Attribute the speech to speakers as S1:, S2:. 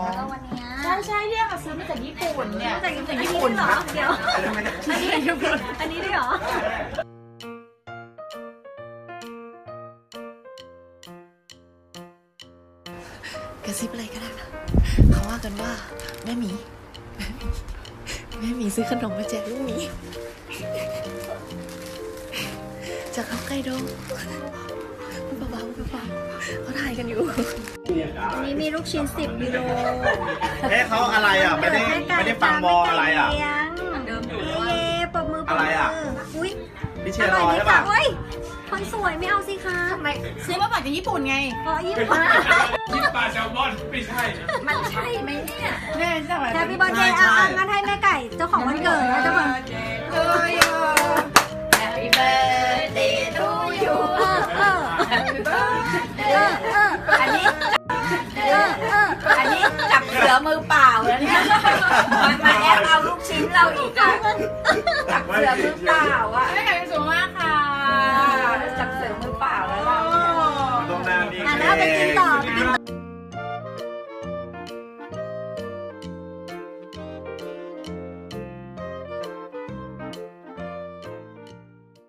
S1: แล้วก็วันเนี้ย
S2: ใช่เนี่ยค่ะซื้อมาจากญี่ปุ่นเนี่ย
S1: จากญี่ปุ่นเหรอเดี๋ยวอันนี้ญี่ปุ่นอันนี้ด้วยเหรอ
S3: กระซิบอะไรก็ได้นะเขาว่ากันว่าแม่หมีซื้อขนมมาแจกลูกหมีจากฮอกไกโดพูดเบาๆเขาถ่ายกันอยู่
S1: อันนี้มีลูกชิ้น10 กิโล
S4: เขาอะไรอ่ะไม่ได้ฟังบออะไรอ่ะ
S1: เย่ปรบมือ
S4: อะไรอ่ะ
S1: อุ้ย
S4: พี่เชียร์รอใช่ป่ะ
S1: เฮ้ยคนสวยไม่เอาสิคะทำไม
S2: ซื้อมาจากญี่ปุ่นไง
S1: เพราะญี่ปุ่น
S5: กินปลาแซลมอนไม่ใช่นะ
S1: มันใช่ไหมเนี่ย
S2: แม่จะแบบ
S1: แฮปปี้เบิร์ดเดย์อ่ะงั้นให้แม่ไก่เจ้าของวันเกิดนะเจ้าของ
S2: Happy birthday to you
S1: อันนี้
S2: อันนี้จับเสือมือเปล่าแล้วเนี่ย